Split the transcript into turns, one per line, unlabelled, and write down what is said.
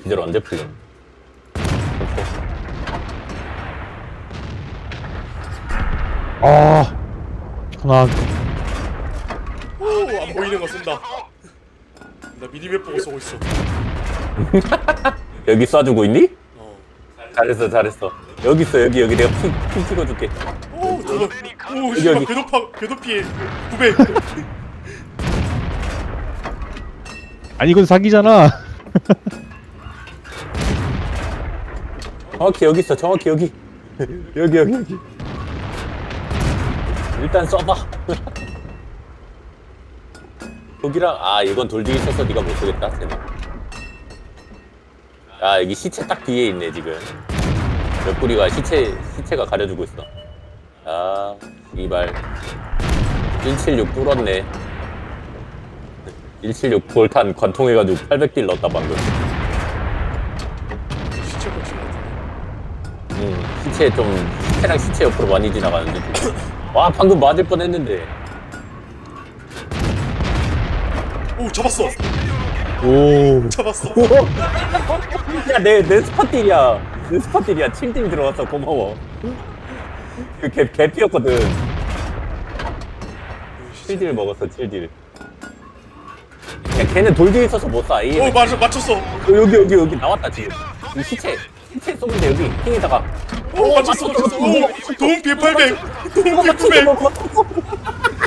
기절 언제 풀려?
아 편안.
오안 보이는 거 쓴다. 나 미니맵 보고 쏘고 있어.
여기 쏴주고 있니?
어.
잘했어 잘했어. 여기 있어 여기 내가 핑 찍어줄게.
오 저거. 오
여기,
씨발
여기.
궤도피해 900.
아니 이건 사기잖아.
정확히 여기 있어 정확히 여기. 여기. 일단 쏴봐. 거기랑 이건 돌 뒤에 있어서 네가 못 쏘겠다 쟤는. 여기 시체 딱 뒤에 있네 지금. 옆구리가 시체가 가려주고 있어. 이발 176 뚫었네. 176 볼탄 관통해가지고 800딜 넣었다 방금.
시체 고친 것 같은데.
시체랑 시체 옆으로 많이 지나가는데 지금. 와 방금 맞을 뻔했는데.
오 잡았어.
오.
잡았어.
야내 스팟딜이야. 내 스팟딜이야. 7딜 들어왔어. 고마워. 그 개피였거든. 7딜 먹었어 7딜. 야 걔는 돌 뒤에 있어서 못 쏴.
오 맞췄어.
여기 나왔다 지금. 이 시체 쏘면 돼 여기 핑에다가.
오 맞췄어. 오 도움 피해 800. 도움 피해 900.